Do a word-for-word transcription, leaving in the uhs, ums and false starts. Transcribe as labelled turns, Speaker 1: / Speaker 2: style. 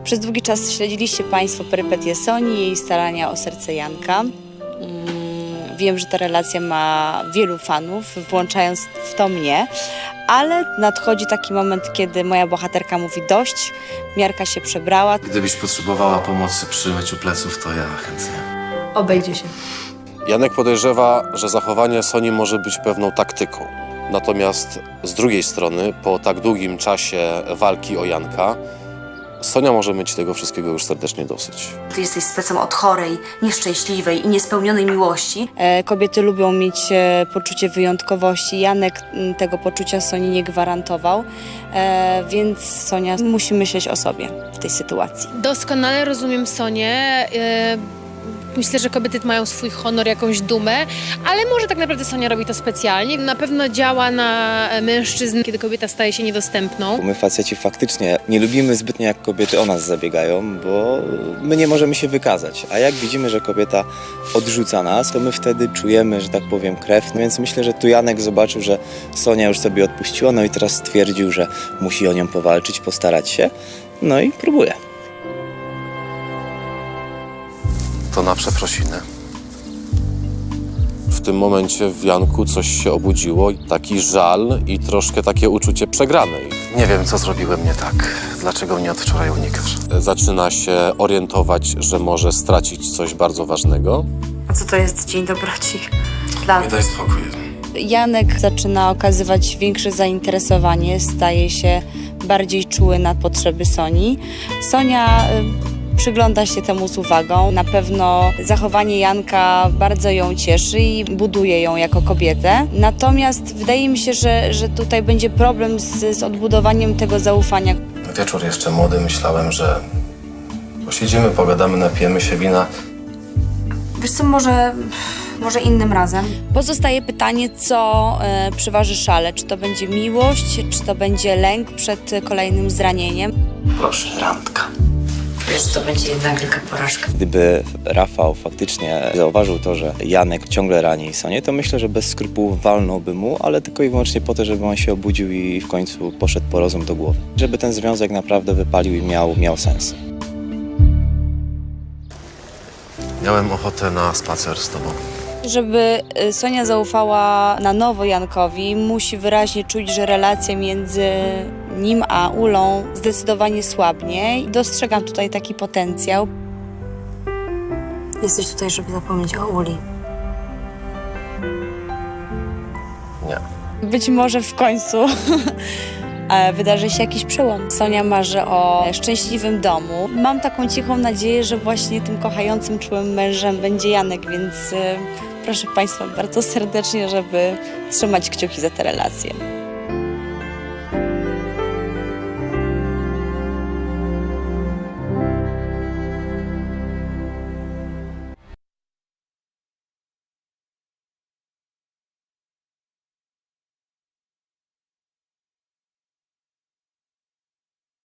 Speaker 1: Przez długi czas śledziliście Państwo perypetie Soni i jej starania o serce Janka. Mm, Wiem, że ta relacja ma wielu fanów, włączając w to mnie, ale nadchodzi taki moment, kiedy moja bohaterka mówi dość, miarka się przebrała.
Speaker 2: Gdybyś potrzebowała pomocy przy myciu pleców, to ja chętnie.
Speaker 1: Obejdzie się.
Speaker 3: Janek podejrzewa, że zachowanie Soni może być pewną taktyką. Natomiast z drugiej strony, po tak długim czasie walki o Janka, Sonia może mieć tego wszystkiego już serdecznie dosyć.
Speaker 4: Ty jesteś specem od chorej, nieszczęśliwej i niespełnionej miłości.
Speaker 1: E, Kobiety lubią mieć e, poczucie wyjątkowości. Janek m, tego poczucia Soni nie gwarantował, e, więc Sonia musi myśleć o sobie w tej sytuacji.
Speaker 5: Doskonale rozumiem Sonię. Yy, Myślę, że kobiety mają swój honor, jakąś dumę, ale może tak naprawdę Sonia robi to specjalnie. Na pewno działa na mężczyzn, kiedy kobieta staje się niedostępną.
Speaker 6: My faceci faktycznie nie lubimy zbytnio, jak kobiety o nas zabiegają, bo my nie możemy się wykazać. A jak widzimy, że kobieta odrzuca nas, to my wtedy czujemy, że tak powiem, krew. No więc myślę, że tu Janek zobaczył, że Sonia już sobie odpuściła, no i teraz stwierdził, że musi o nią powalczyć, postarać się. No i próbuje.
Speaker 2: To na przeprosiny.
Speaker 3: W tym momencie w Janku coś się obudziło, taki żal i troszkę takie uczucie przegranej.
Speaker 2: Nie wiem, co zrobiłem nie tak. Dlaczego mnie od wczoraj unikasz?
Speaker 3: Zaczyna się orientować, że może stracić coś bardzo ważnego.
Speaker 4: A co to jest dzień dobroci? Dla
Speaker 2: Nie daj spokój.
Speaker 1: Janek zaczyna okazywać większe zainteresowanie, staje się bardziej czuły na potrzeby Soni. Sonia y, przygląda się temu z uwagą. Na pewno zachowanie Janka bardzo ją cieszy i buduje ją jako kobietę. Natomiast wydaje mi się, że, że tutaj będzie problem z, z odbudowaniem tego zaufania.
Speaker 2: Wieczór jeszcze młody, myślałem, że posiedzimy, pogadamy, napijemy się wina.
Speaker 4: Wiesz co, może, może innym razem?
Speaker 1: Pozostaje pytanie, co e, przyważy szale. Czy to będzie miłość, czy to będzie lęk przed kolejnym zranieniem.
Speaker 2: Proszę, randka.
Speaker 4: Wiesz, to będzie jednak wielka porażka.
Speaker 6: Gdyby Rafał faktycznie zauważył to, że Janek ciągle rani Sonię, to myślę, że bez skrupułów walnąłby mu, ale tylko i wyłącznie po to, żeby on się obudził i w końcu poszedł po rozum do głowy. Żeby ten związek naprawdę wypalił i miał, miał sens.
Speaker 2: Miałem ochotę na spacer z tobą.
Speaker 1: Żeby y, Sonia zaufała na nowo Jankowi, musi wyraźnie czuć, że relacja między nim a Ulą zdecydowanie słabnie. I dostrzegam tutaj taki potencjał.
Speaker 4: Jesteś tutaj, żeby zapomnieć o Uli.
Speaker 2: Nie.
Speaker 1: Być może w końcu e, wydarzy się jakiś przełom. Sonia marzy o szczęśliwym domu. Mam taką cichą nadzieję, że właśnie tym kochającym, czułym mężem będzie Janek, więc y, proszę Państwa bardzo serdecznie, żeby trzymać kciuki za tę relację.